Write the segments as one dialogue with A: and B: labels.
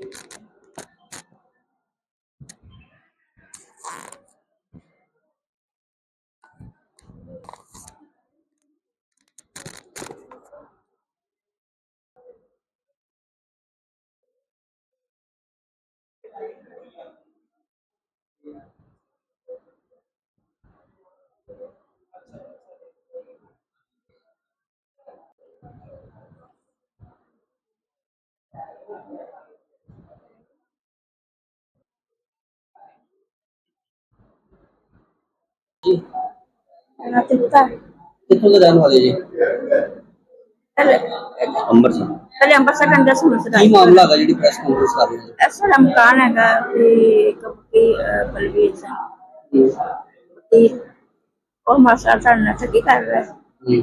A: जी
B: कितना
A: कितों के रहने वाले जी?
B: पहले
A: ਅੰਮ੍ਰਿਤਸਰ।
B: पहले अंबरसर के अंदर समझ
A: ਕੀ ਮਾਮਲਾ ਹੈਗਾ ਜਿਹੜੀ ਪ੍ਰੈਸ ਕਾਨਫਰੰਸ ਕਰ ਰਹੇ ਹੋ?
B: ऐसा मकान है कि बलबीर
A: ਜੀ
B: सिंह और मास्टर साढ़े ठगी कर रहा है
A: ਜੀ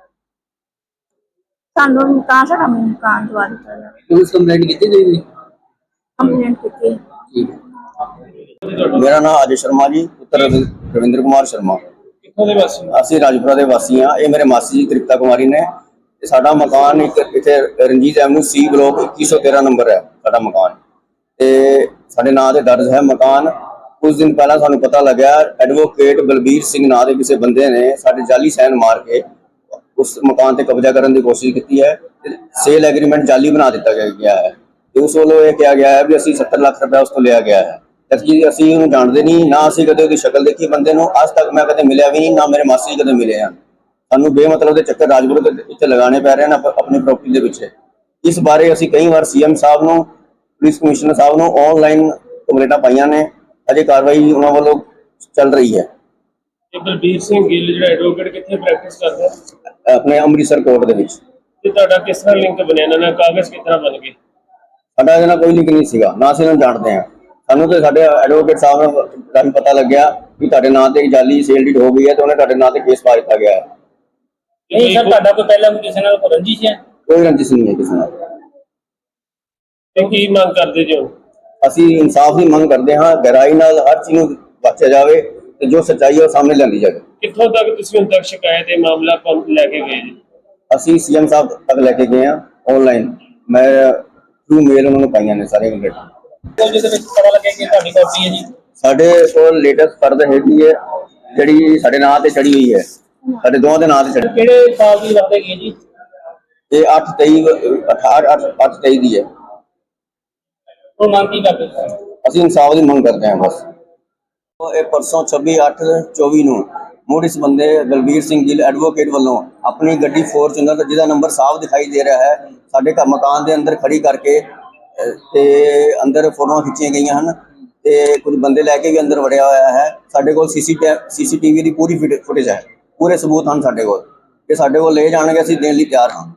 B: सानू मकान दवा दिता जाए
A: ਪੁਲਿਸ ਕੰਪਲੇਂਟ ਕੀਤੀ ਗਈ ਜੀ?
B: कंप्लेंट की
A: ਠੀਕ ਹੈ। ਮੇਰਾ ਨਾਮ ਅਜੇ ਸ਼ਰਮਾ ਜੀ, ਪੁੱਤਰ ਰਵਿੰਦਰ ਕੁਮਾਰ ਸ਼ਰਮਾ।
C: ਕਿੱਥੋਂ ਦੇ ਵਾਸੀ?
A: ਅਸੀਂ ਰਾਜਪੁਰਾ ਦੇ ਵਾਸੀ ਹਾਂ। ਇਹ ਮੇਰੇ ਮਾਸੀ ਜੀ ਤ੍ਰਿਪਤਾ ਕੁਮਾਰੀ ਨੇ। ਤੇ ਸਾਡਾ ਮਕਾਨ ਇੱਕ ਇੱਥੇ Ranjit avenue C block 2113 number ਹੈ ਸਾਡਾ ਮਕਾਨ, ਤੇ ਸਾਡੇ ਨਾਂ ਤੇ ਦਰਜ ਹੈ ਮਕਾਨ। ਕੁਝ ਦਿਨ ਪਹਿਲਾਂ ਸਾਨੂੰ ਪਤਾ ਲੱਗਿਆ ਐਡਵੋਕੇਟ ਬਲਬੀਰ ਸਿੰਘ ਨਾਂ ਦੇ ਕਿਸੇ ਬੰਦੇ ਨੇ ਸਾਡੇ ਜਾਲੀ ਸਾਈਨ ਮਾਰ ਕੇ ਉਸ ਮਕਾਨ ਤੇ ਕਬਜ਼ਾ ਕਰਨ ਦੀ ਕੋਸ਼ਿਸ਼ ਕੀਤੀ ਹੈ। ਸੇਲ ਐਗਰੀਮੈਂਟ ਜਾਲੀ ਬਣਾ ਦਿੱਤਾ ਗਿਆ ਹੈ ਤੇ ਉਸ ਵੱਲੋਂ ਇਹ ਕਿਹਾ ਗਿਆ ਹੈ ਵੀ ਅਸੀਂ 70 ਲੱਖ ਰੁਪਏ ਉਸ ਤੋਂ ਲਿਆ ਗਿਆ ਹੈ। ਜਦਕਿ ਅਸੀਂ ਉਹਨੂੰ ਜਾਣਦੇ ਨਹੀਂ, ਨਾ ਅਸੀਂ ਕਦੇ ਉਹਦੀ ਸ਼ਕਲ ਦੇਖੀ ਬੰਦੇ ਨੂੰ, ਅੱਜ ਤੱਕ ਮੈਂ ਕਦੇ ਮਿਲਿਆ ਵੀ ਨਹੀਂ, ਨਾ ਮੇਰੇ ਮਾਸੀ ਕਦੇ ਮਿਲੇ ਹਨ। ਸਾਨੂੰ ਬੇਮਤਲਬ ਦੇ ਚੱਕਰ ਰਾਜਪੁਰ ਦੇ ਇੱਥੇ ਲਗਾਉਣੇ ਪੈ ਰਹੇ ਨੇ ਆਪਣੀ ਪ੍ਰਾਪਰਟੀ ਦੇ ਪਿੱਛੇ। ਇਸ ਬਾਰੇ ਅਸੀਂ ਕਈ ਵਾਰ ਸੀਐਮ ਸਾਹਿਬ ਨੂੰ, ਪੁਲਿਸ ਕਮਿਸ਼ਨਰ ਸਾਹਿਬ ਨੂੰ ਆਨਲਾਈਨ ਕੰਪਲੇਂਟਾਂ ਪਾਈਆਂ ਨੇ, ਅਜੇ ਕਾਰਵਾਈ ਉਹਨਾਂ ਵੱਲੋਂ ਚੱਲ ਰਹੀ ਹੈ।
C: ਬਲਬੀਰ ਸਿੰਘ ਗਿੱਲ ਜਿਹੜਾ ਐਡਵੋਕੇਟ ਕਿੱਥੇ ਪ੍ਰੈਕਟਿਸ ਕਰਦਾ ਹੈ?
A: ਆਪਣੇ ਅੰਮ੍ਰਿਤਸਰ ਕੋਰਟ ਦੇ ਵਿੱਚ।
C: ਤੇ ਤੁਹਾਡਾ ਕਿਸ ਤਰ੍ਹਾਂ ਲਿੰਕ ਬਣਿਆ ਇਹਨਾਂ ਨਾਲ? ਕਾਗਜ਼ ਕਿਸ ਤਰ੍ਹਾਂ ਬਣ ਗਏ?
A: ਸਾਡਾ ਇਹਦੇ ਨਾਲ ਕੋਈ ਲਿੰਕ ਨਹੀਂ ਸੀਗਾ, ਨਾ ਅਸੀਂ ਇਹਨਾਂ ਨੂੰ ਜਾਣਦੇ ਹਾਂ। ਸਾਨੂੰ ਤੇ ਸਾਡੇ ਐਡਵੋਕੇਟ ਸਾਹਿਬ ਨੂੰ ਪਤਾ ਲੱਗਿਆ ਵੀ ਤੁਹਾਡੇ ਨਾਂ ਤੇ ਜਾਲੀ ਸੇਲ ਡੀਡ ਹੋ ਗਈ ਹੈ ਤੇ ਉਹਨੇ ਤੁਹਾਡੇ ਨਾਂ ਤੇ ਕੇਸ ਪਾ ਦਿੱਤਾ ਗਿਆ ਹੈ।
C: ਨਹੀਂ ਸਰ, ਤੁਹਾਡਾ ਕੋਈ ਪਹਿਲਾਂ ਕਿਸੇ ਨਾਲ ਰੰਜਿਸ਼ ਹੈ?
A: ਕੋਈ ਰੰਜਿਸ਼ ਨਹੀਂ ਹੈ ਕਿਸੇ ਨਾਲ।
C: ਤੇ ਕੀ ਮੰਗ ਕਰਦੇ ਜੋ?
A: ਅਸੀਂ ਇਨਸਾਫ ਦੀ ਮੰਗ ਕਰਦੇ ਹਾਂ, ਗਹਿਰਾਈ ਨਾਲ ਹਰ ਚੀਜ਼ ਨੂੰ ਬਖਸ਼ਿਆ ਜਾਵੇ ਤੇ ਜੋ ਸੱਚਾਈ ਹੈ ਉਹ ਸਾਹਮਣੇ ਲਿਆਂਦੀ ਜਾਵੇ।
C: ਕਿੱਥੋਂ ਤੱਕ ਤੁਸੀਂ ਹੁਣ ਤੱਕ ਸ਼ਿਕਾਇਤ ਇਹ ਮਾਮਲਾ ਲੈ ਕੇ ਗਏ ਜੀ?
A: ਅਸੀਂ ਸੀਐਮ ਸਾਹਿਬ ਤੱਕ ਲੈ ਕੇ ਗਏ ਹਾਂ ਆਨਲਾਈਨ। ਮੈਂ ਥਰੂ ਮੇਲ ਉਹਨਾਂ ਨੂੰ ਪਾਈਆਂ ਨੇ ਸਾਰੀਆਂ ਕੰਪਲੇਂਟਾਂ।
C: ਜਿਹਦੇ ਵਿੱਚ ਪਤਾ ਲੱਗਿਆ ਕਿ ਤੁਹਾਡੀ ਕਾਪੀ ਹੈ ਜੀ?
A: ਸਾਡੇ ਕੋਲ ਲੇਟੈਸਟ ਫਰਦ ਹੈਗੀ ਹੈ ਜਿਹੜੀ ਸਾਡੇ ਨਾਂ ਤੇ ਚੜੀ ਹੋਈ ਹੈ, ਸਾਡੇ ਦੋਵਾਂ ਦੇ ਨਾਂ ਤੇ ਚੜੀ।
C: ਕਿਹੜੇ ਸਾਲ ਦੀ ਵਰਤੇ ਗਈ ਜੀ?
A: ਇਹ 8/23 ਦੀ ਹੈ।
C: ਉਹ ਮੰਗ ਕੀ ਕਰਦੇ?
A: ਅਸੀਂ ਇਨਸਾਫ ਦੀ ਮੰਗ ਕਰਦੇ ਹਾਂ ਬਸ। ਇਹ ਪਰਸੋਂ 26/8/24 ਨੂੰ ਮੁੜ ਇਸ ਬੰਦੇ ਬਲਬੀਰ ਸਿੰਘ ਗਿੱਲ ਐਡਵੋਕੇਟ ਵੱਲੋਂ ਆਪਣੀ ਗੱਡੀ ਫੋਰਚੂਨਰ ਜਿਹਦਾ ਨੰਬਰ ਸਾਫ਼ ਦਿਖਾਈ ਦੇ ਰਿਹਾ ਹੈ ਸਾਡੇ ਘਰ ਮਕਾਨ ਦੇ ਅੰਦਰ ਖੜੀ ਕਰਕੇ ਤੇ ਅੰਦਰ ਫੋਟੋਆਂ ਖਿੱਚੀਆਂ ਗਈਆਂ ਹਨ ਤੇ ਕੁਝ ਬੰਦੇ ਲੈ ਕੇ ਵੀ ਅੰਦਰ ਵੜਿਆ ਹੋਇਆ ਹੈ। ਸਾਡੇ ਕੋਲ ਸੀਸੀਟੀਵੀ ਦੀ ਪੂਰੀ ਫੁਟੇਜ ਹੈ, ਪੂਰੇ ਸਬੂਤ ਹਨ ਸਾਡੇ ਕੋਲ, ਤੇ ਸਾਡੇ ਕੋਲ ਲੈ ਜਾਣਗੇ ਅਸੀਂ ਦੇਣ ਲਈ ਤਿਆਰ ਹਾਂ।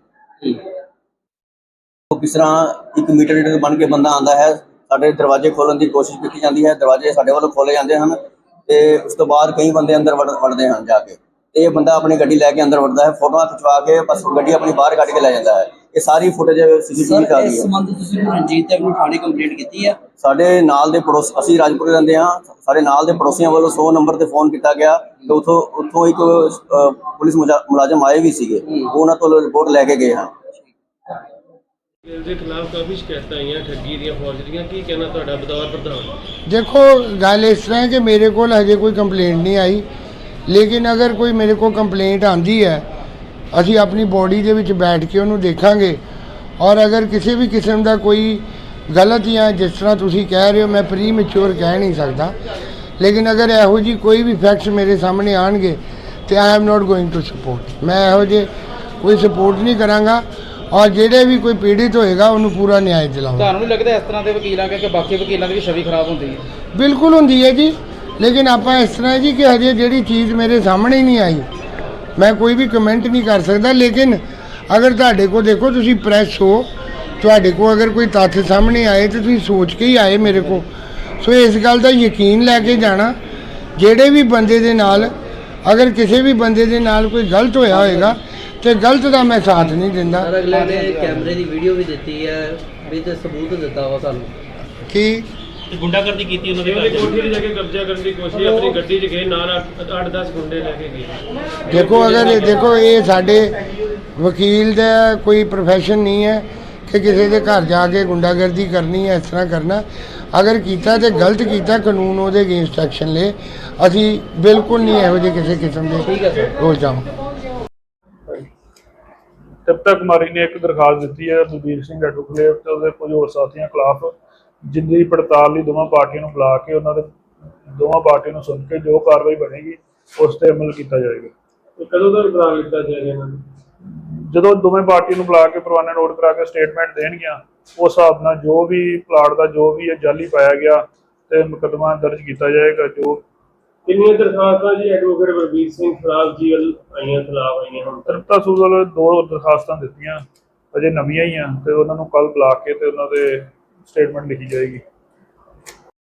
A: ਕਿਸ ਤਰ੍ਹਾਂ 1 ਮੀਟਰ ਬਣ ਕੇ ਬੰਦਾ ਆਉਂਦਾ ਹੈ, ਸਾਡੇ ਦਰਵਾਜ਼ੇ ਖੋਲਣ ਦੀ ਕੋਸ਼ਿਸ਼ ਕੀਤੀ ਜਾਂਦੀ ਹੈ, ਦਰਵਾਜ਼ੇ ਸਾਡੇ ਵੱਲੋਂ ਖੋਲੇ ਜਾਂਦੇ ਹਨ ਤੇ ਉਸ ਤੋਂ ਬਾਅਦ ਕਈ ਬੰਦੇ ਅੰਦਰ ਵੜਦੇ ਹਨ ਜਾ ਕੇ। ਇਹ ਬੰਦਾ ਆਪਣੀ ਗੱਡੀ ਲੈ ਕੇ ਅੰਦਰ ਵੜਦਾ ਹੈ, ਫੋਟੋਆਂ ਖਿਚਵਾ ਕੇ ਬਸ ਗੱਡੀ ਆਪਣੀ ਬਾਹਰ ਕੱਢ ਕੇ ਲੈ ਜਾਂਦਾ ਹੈ। ਇਹ ਸਾਰੀ ਫੁਟੇਜ ਸੀਸੀਟੀਵੀ ਚੱਲਦੀ ਹੈ।
D: ਇਸ ਸੰਬੰਧ ਤੁਸੀਂ ਰਣਜੀਤ ਐਵਨਿਊ ਥਾਣੇ ਕੰਪਲੇਂਟ ਕੀਤੀ ਹੈ?
A: ਸਾਡੇ ਨਾਲ ਦੇ ਪੜੋਸ, ਅਸੀਂ ਰਾਜਪੁਰ ਰਹਿੰਦੇ ਹਾਂ, ਸਾਡੇ ਨਾਲ ਦੇ ਪੜੋਸੀਆਂ ਵੱਲੋਂ 100 ਨੰਬਰ ਤੇ ਫੋਨ ਕੀਤਾ ਗਿਆ ਤੇ ਉੱਥੋਂ ਇੱਕ ਪੁਲਿਸ ਮੁਲਾਜ਼ਮ ਆਏ ਵੀ ਸੀਗੇ, ਉਹਨਾਂ ਤੋਂ ਰਿਪੋਰਟ ਲੈ ਕੇ ਗਏ ਹਨ।
C: ਦੇ ਖਿਲਾਫ ਕਾਫੀ ਸ਼ਿਕਾਇਤਾਂ ਆਈਆਂ ਠੱਗੀ ਦੀਆਂ, ਫੌਜਰੀਆਂ, ਕੀ ਕਹਿਣਾ ਤੁਹਾਡਾ ਬਤੌਰ ਪ੍ਰਧਾਨ?
E: देखो गल इस तरह है कि मेरे को हजे कोई कंप्लेंट नहीं आई, लेकिन अगर कोई मेरे को कंप्लेंट आती है ਅਸੀਂ ਆਪਣੀ ਬੋਡੀ ਦੇ ਵਿੱਚ ਬੈਠ ਕੇ ਉਹਨੂੰ ਦੇਖਾਂਗੇ ਔਰ ਅਗਰ ਕਿਸੇ ਵੀ ਕਿਸਮ ਦਾ ਕੋਈ ਗਲਤ ਜਾਂ ਜਿਸ ਤਰ੍ਹਾਂ ਤੁਸੀਂ ਕਹਿ ਰਹੇ ਹੋ ਮੈਂ ਪ੍ਰੀ ਮੈਚੁਰ ਕਹਿ ਨਹੀਂ ਸਕਦਾ, ਲੇਕਿਨ ਅਗਰ ਇਹੋ ਜੀ ਕੋਈ ਵੀ ਫੈਕਟਸ ਮੇਰੇ ਸਾਹਮਣੇ ਆਣਗੇ ਤੇ I am not going to support. ਮੈਂ ਇਹੋ ਜਿਹੇ ਕੋਈ ਸਪੋਰਟ ਨਹੀਂ ਕਰਾਂਗਾ ਔਰ ਜਿਹੜੇ ਵੀ ਕੋਈ ਪੀੜਿਤ ਹੋਏਗਾ ਉਹਨੂੰ ਪੂਰਾ ਨਿਆਂ ਦਿਲਾਵਾਂਗਾ।
D: ਤੁਹਾਨੂੰ ਨਹੀਂ ਲੱਗਦਾ ਇਸ ਤਰ੍ਹਾਂ ਦੇ ਵਕੀਲਾਂ ਕਰਕੇ ਬਾਕੀ ਵਕੀਲਾਂ ਦੀ ਵੀ ਛਵੀ ਖਰਾਬ ਹੁੰਦੀ ਹੈ?
E: ਬਿਲਕੁਲ ਹੁੰਦੀ ਹੈ ਜੀ, ਲੇਕਿਨ ਆਪਾਂ ਇਸ ਤਰ੍ਹਾਂ ਜੀ ਕਿ ਹਜੇ ਜਿਹੜੀ ਚੀਜ਼ ਮੇਰੇ ਸਾਹਮਣੇ ਨਹੀਂ ਆਈ ਮੈਂ ਕੋਈ ਵੀ ਕਮੈਂਟ ਨਹੀਂ ਕਰ ਸਕਦਾ। ਲੇਕਿਨ ਅਗਰ ਤੁਹਾਡੇ ਕੋਲ ਦੇਖੋ ਤੁਸੀਂ ਪ੍ਰੈਸ ਹੋ, ਤੁਹਾਡੇ ਕੋਲ ਅਗਰ ਕੋਈ ਤੱਥ ਸਾਹਮਣੇ ਆਏ ਤਾਂ ਤੁਸੀਂ ਸੋਚ ਕੇ ਹੀ ਆਏ ਮੇਰੇ ਕੋਲ, ਸੋ ਇਸ ਗੱਲ ਦਾ ਯਕੀਨ ਲੈ ਕੇ ਜਾਣਾ ਜਿਹੜੇ ਵੀ ਬੰਦੇ ਦੇ ਨਾਲ ਅਗਰ ਕਿਸੇ ਵੀ ਬੰਦੇ ਦੇ ਨਾਲ ਕੋਈ ਗਲਤ ਹੋਇਆ ਹੋਏਗਾ ਤੇ ਗਲਤ ਦਾ ਮੈਂ ਸਾਥ ਨਹੀਂ ਦਿੰਦਾ।
D: ਸਰ ਅਗਲੇ ਨੇ ਕੈਮਰੇ ਦੀ ਵੀਡੀਓ ਵੀ ਦਿੱਤੀ ਹੈ ਵੀ ਤੇ ਸਬੂਤ ਦਿੱਤਾ ਵਾ ਸਾਨੂੰ
E: ਕਿ
C: ਗੁੰਡਾਗਰਦੀ ਕੀਤੀ ਉਹਨਾਂ ਦੇ ਕੋਠੀ ਤੇ ਜਾ ਕੇ ਕਬਜ਼ਾ ਕਰਨ ਦੀ ਕੋਸ਼ਿਸ਼, ਆਪਣੀ ਗੱਡੀ 'ਚ ਗਏ ਨਾਲ 8-10 ਗੁੰਡੇ ਲੈ ਕੇ ਗਏ।
E: ਦੇਖੋ ਅਗਰ ਦੇਖੋ ਇਹ ਸਾਡੇ ਵਕੀਲ ਦਾ ਕੋਈ ਪ੍ਰੋਫੈਸ਼ਨ ਨਹੀਂ ਹੈ ਕਿ ਕਿਸੇ ਦੇ ਘਰ ਜਾ ਕੇ ਗੁੰਡਾਗਰਦੀ ਕਰਨੀ ਹੈ, ਇਸ ਤਰ੍ਹਾਂ ਕਰਨਾ। ਅਗਰ ਕੀਤਾ ਤੇ ਗਲਤ ਕੀਤਾ, ਕਾਨੂੰਨ ਉਹਦੇ ਅਗੇਂਸਟ ਐਕਸ਼ਨ ਲੇ। ਅਸੀਂ ਬਿਲਕੁਲ ਨਹੀਂ ਇਹੋ ਜਿਹੇ ਕਿਸੇ ਕਿਸਮ ਦੇ ਰੋਲ ਜਾਵਾਂ।
F: ਤ੍ਰਿਪਤਾ ਕੁਮਾਰੀ ਨੇ ਇੱਕ ਦਰਖਾਸਤ ਦਿੱਤੀ ਹੈ ਬਲਬੀਰ ਸਿੰਘ ਐਡਵੋਕੇਟ ਤੇ ਉਹਦੇ ਕੁਝ ਹੋਰ ਸਾਥੀਆਂ ਖਿਲਾਫ, ਜਿੰਦੀ ਪੜਤਾਲ ਲਈ ਦੋਵਾਂ ਪਾਰਟੀਆਂ ਨੂੰ ਬੁਲਾ ਕੇ ਉਹਨਾਂ ਦੇ ਦੋਵਾਂ ਪਾਰਟੀਆਂ ਨੂੰ ਸੁਣ ਕੇ ਜੋ ਕਾਰਵਾਈ ਬਣੇਗੀ ਉਸ ਤੇ ਅਮਲ ਕੀਤਾ ਜਾਏਗਾ।
C: ਕਦੋਂ ਦਾ ਬਰਾਮਦ ਕੀਤਾ ਜਾਏਗਾ ਇਹਨਾਂ ਨੂੰ?
F: ਜਦੋਂ ਦੋਵੇਂ ਪਾਰਟੀ ਨੂੰ ਬੁਲਾ ਕੇ ਪਰਵਾਨਾ ਨੋਟ ਕਰਾ ਕੇ ਸਟੇਟਮੈਂਟ ਦੇਣਗੀਆਂ, ਉਸ ਹਿਸਾਬ ਨਾਲ ਜੋ ਵੀ ਪਲਾਟ ਦਾ ਜੋ ਵੀ ਜਾਲੀ ਪਾਇਆ ਗਿਆ ਤੇ ਮੁਕੱਦਮਾ ਦਰਜ ਕੀਤਾ ਜਾਏਗਾ। ਜੋ
C: ਕਿੰਨੀਆਂ ਦਰਖਾਸਤਾਂ ਜੀ ਐਡਵੋਕੇਟ ਬਲਬੀਰ ਸਿੰਘ ਖਿਲਾਫ ਜੀ ਖਿਲਾਫ ਆਈਆਂ ਹੁਣ?
F: ਤ੍ਰਿਪਤਾ ਸੂਦਲ 2 ਦਰਖਾਸਤਾਂ ਦਿੱਤੀਆਂ, ਅਜੇ ਨਵੀਆਂ ਹੀ ਆ, ਤੇ ਉਹਨਾਂ ਨੂੰ ਕੱਲ ਬੁਲਾ ਕੇ ਤੇ ਉਹਨਾਂ ਦੇ ਸਟੇਟਮੈਂਟ ਲਿਖੀ ਜਾਏਗੀ।